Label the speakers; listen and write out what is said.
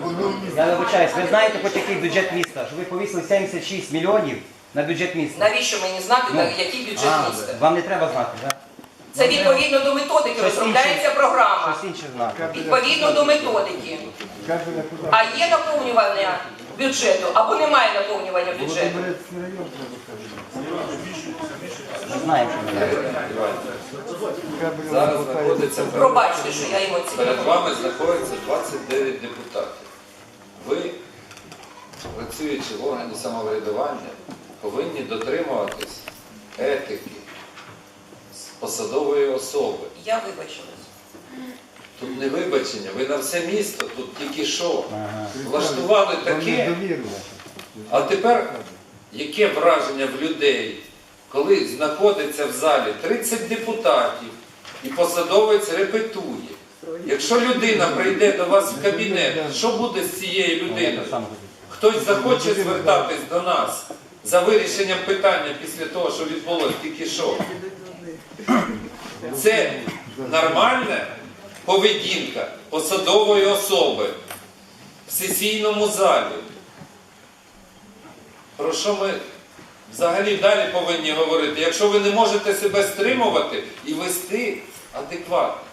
Speaker 1: Я вибачаюсь, ви знаєте, хоч який бюджет міста, що ви повісили 76 мільйонів на бюджет міста?
Speaker 2: Навіщо мені знати, який бюджет міста?
Speaker 1: Вам не треба знати, так?
Speaker 2: Це відповідно до методики розробляється програма.
Speaker 1: Щось інше знати.
Speaker 2: Відповідно до методики. А є наповнювання бюджету або немає наповнювання бюджету?
Speaker 1: Ми знаємо, що не треба.
Speaker 3: Зараз знаходиться
Speaker 2: Пробачте, що я емоційна.
Speaker 3: перед вами знаходиться 29 депутатів. Ви, працюючи в органі самоврядування, повинні дотримуватись етики посадової особи.
Speaker 2: Я вибачилась.
Speaker 3: Тут не вибачення, ви на все місто, тут тільки що. Влаштували таке. А тепер, яке враження в людей, коли знаходиться в залі 30 депутатів і посадовець репетує. Якщо людина прийде до вас в кабінет, що буде з цією людиною? Хтось захоче звертатись до нас за вирішенням питання після того, що відбулося тільки що. Це нормальна поведінка посадової особи в сесійному залі. Про що ми взагалі далі повинні говорити? Якщо ви не можете себе стримувати і вести адекватно.